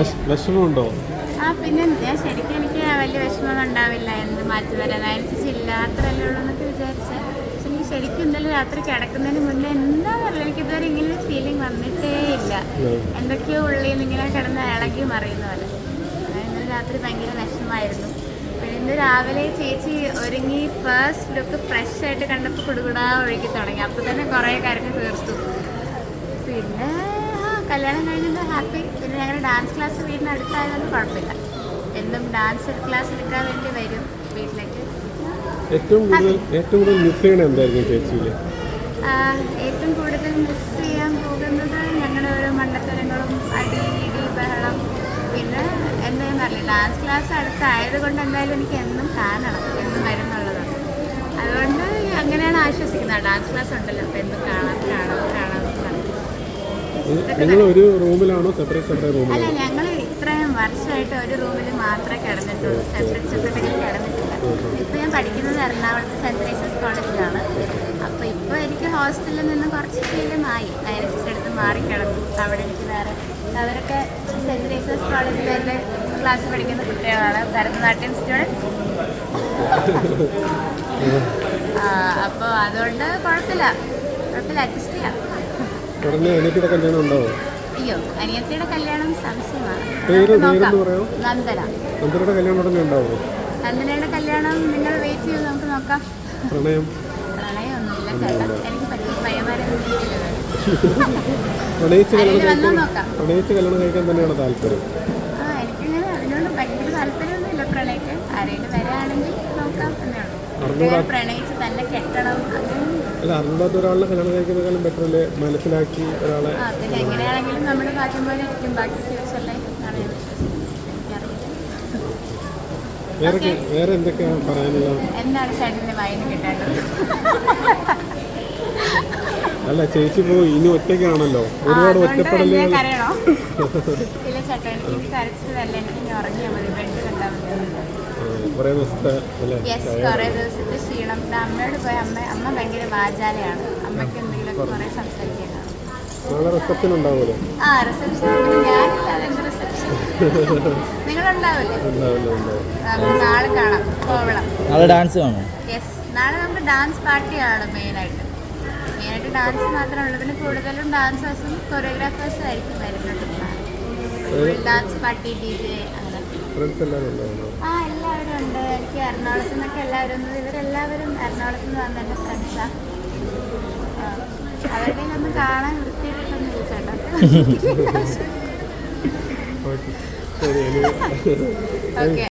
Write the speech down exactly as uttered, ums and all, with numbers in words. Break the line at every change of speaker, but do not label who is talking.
വിഷമമുണ്ടോ?
ആ പിന്നെ ഞാൻ ശരിക്കും എനിക്ക് വലിയ വിഷമം ഉണ്ടാവില്ല എന്ത് മാറ്റി വരാൻ അനുസരിച്ചില്ല അത്രയല്ലേ ഉള്ളൂ എന്നൊക്കെ വിചാരിച്ചാൽ പക്ഷെ എനിക്ക് ശരിക്കും ഇന്നലെ രാത്രി കിടക്കുന്നതിന് മുന്നേ എന്താ പറയുക എനിക്ക് ഇതുവരെ ഇങ്ങനെ ഫീലിംഗ് വന്നിട്ടേ ഇല്ല. എന്തൊക്കെയോ ഉള്ളിൽ നിന്ന് ഇങ്ങനെ കിടന്ന് ഇളകി മറിയുന്ന പോലെ. ഇന്നലെ രാത്രി ഭയങ്കര വിഷമമായിരുന്നു. പിന്നെ ഇന്ന് രാവിലെ ചേച്ചി ഒരുങ്ങി ഫസ്റ്റ് ലുക്ക് ഫ്രഷ് ആയിട്ട് കണ്ടപ്പോൾ കുടുകുടാ ഒഴുകി തുടങ്ങി. അപ്പോൾ തന്നെ കുറേ കാര്യങ്ങൾ തീർത്തു. പിന്നെ കല്യാണം കഴിഞ്ഞത് ഹാപ്പി. പിന്നെ ഞങ്ങളുടെ ഡാൻസ് ക്ലാസ് വീടിന് അടുത്തായതുകൊണ്ട് കുഴപ്പമില്ല. എന്നും ഡാൻസ് ക്ലാസ് എടുക്കാൻ വേണ്ടി വരും വീട്ടിലേക്ക്.
ഏറ്റവും കൂടുതൽ ഏറ്റവും കൂടുതൽ മിസ് ചെയ്യണത് എന്തായിരിക്കും ചേച്ചിയിൽ?
ഏറ്റവും കൂടുതൽ മിസ് ചെയ്യാൻ പോകുന്നത് ഞങ്ങളുടെ ഓരോ മണ്ടത്തരങ്ങളും അടി ഇടി ബഹളം. പിന്നെ എന്തായാലും അറിയില്ല ഡാൻസ് ക്ലാസ് അടുത്തായത് കൊണ്ട് എന്തായാലും എനിക്ക് എന്നും കാണണം എന്നും വരുന്നുള്ളതാണ്. അതുകൊണ്ട് അങ്ങനെയാണ് ആശ്വസിക്കുന്നത്. ഡാൻസ് ക്ലാസ് ഉണ്ടല്ലോ അപ്പോൾ എന്നും കാണാം കാണാം കാണാം.
നിങ്ങൾ ഒരു റൂമിലാണോ സെപ്പറേറ്റ് സെപ്പറേറ്റ് റൂമിൽ?
അല്ല ഞങ്ങൾ ഇത്രയും വർഷമായിട്ട് ഒരു റൂമിൽ മാത്രമേ കിടന്നിട്ടുള്ളൂ. Separate separate കിടന്നിട്ടില്ല. ഇപ്പോൾ ഞാൻ പഠിക്കുന്നത് എറണാകുളത്ത് സെൻറ്റ് തെരേസാസ് കോളേജിലാണ്. അപ്പോൾ ഇപ്പോൾ എനിക്ക് ഹോസ്റ്റലിൽ നിന്ന് കുറച്ച് ശീലമായി. ഡയറക്ടറുടെ അടുത്ത് മാറി കിടന്നു. അവിടെ എനിക്ക് വേറെ അവരൊക്കെ സെൻറ്റ് തെരേസാസ് കോളേജിൽ എൻ്റെ ക്ലാസ് പഠിക്കുന്ന കുട്ടികളാണ്, ഭരതനാട്യം സ്റ്റുഡൻസ്. അപ്പോൾ അതുകൊണ്ട് കുഴപ്പമില്ല കുഴപ്പമില്ല അഡ്ജസ്റ്റ് ചെയ്യാം.
അനിയത്തിയുടെ കല്യാണം ഉണ്ടാവോ?
അയ്യോ അനിയത്തിയുടെ കല്യാണം സംശയമാണ്. നന്ദന.
നന്ദനയുടെ കല്യാണം ഉടനെ ഉണ്ടാവോ?
നന്ദനയുടെ കല്യാണം നിങ്ങൾ വെയിറ്റ് ചെയ്ത് നമുക്ക് നോക്കാം.
പ്രണയം
പ്രണയമൊന്നുമില്ല ചേട്ടാ. എനിക്ക് പറ്റിയ പയ്യന്മാരെ
പ്രണയിച്ച് കല്യാണം കഴിക്കാൻ തന്നെയാണ് താല്പര്യം.
ആ എനിക്കിങ്ങനെ അതിനോട് ഭയങ്കര താല്പര്യമൊന്നുമില്ല. പ്രണയിക്കാൻ ആരെങ്കിലും വരാണെങ്കിൽ നോക്കാം എന്നുള്ളൂ. പ്രണയിച്ച് തന്നെ കെട്ടണം
അല്ല അറിഞ്ഞാത്ത ഒരാളെ കല്യാണം കഴിക്കുന്നതിനേക്കാളും ബെറ്റർ അല്ലേ മനസ്സിലാക്കി ഒരാളെ.
പിന്നെ എങ്ങനെയാണെങ്കിലും നമ്മുടെ ഭാഗ്യം പോലെ ഇരിക്കും. ബാക്കി ഫ്യൂച്ചറിലെ
വേറെ വേറെ എന്തൊക്കെയാണ് പറയാനുള്ളത്?
എന്താണ് ചേട്ടൻ്റെ വായന കിട്ടേണ്ടത്?
അല്ല ചേച്ചി പോയി ഇനി ഒറ്റയ്ക്കാണല്ലോ, ഒരുപാട് ഒറ്റപ്പെടല്.
കരയണോ? ഇല്ല ചേട്ടാ എനിക്ക് കരച്ചിട്ടല്ല, എനിക്ക് ഇനി ഉറങ്ങിയാൽ മതി. ബെഡ് കണ്ടാൽ മതി.
കുറേ ദിവസത്തെ
യെസ് കുറേ ദിവസത്തെ ക്ഷീണം. അമ്മയോട് പോയി അമ്മ അമ്മ ഭയങ്കര വാചാലയാണ്. അമ്മയ്ക്ക് എന്തെങ്കിലുമൊക്കെ കുറേ സംസാരിക്കാനാണ്.
റിസപ്ഷൻ ഉണ്ടാവുമല്ലോ?
ആ റിസപ്ഷൻ ഞാനില്ല, അതെന്ത് റിസപ്ഷൻ നിങ്ങളുണ്ടാവില്ലേ? നാളെ കാണാം കോവളം.
നാളെ ഡാൻസ് കാണും.
യെസ് നാളെ നമുക്ക് ഡാൻസ് പാർട്ടിയാണ് മെയിനായിട്ട്. മെയിനായിട്ട് ഡാൻസ് മാത്രമേ ഉള്ളൂ. പിന്നെ കൂടുതലും ഡാൻസേഴ്സും കൊറിയോഗ്രാഫേഴ്സും ആയിരിക്കും വരുന്നുണ്ട്. ഡാൻസ് പാർട്ടി ഡി ജെ അങ്ങനെ. ആ എല്ലാവരും ഉണ്ട്. എനിക്ക് എറണാകുളത്തു നിന്നൊക്കെ എല്ലാവരും ഉണ്ട്. ഇവരെല്ലാവരും എറണാകുളത്ത് നിന്ന് വന്ന എൻ്റെ ഫ്രണ്ട്സാണ്. അവരുടെ ഒന്നും കാണാൻ വൃത്തിയിട്ടൊന്നും ഇല്ല ചേട്ടാ. ഓക്കെ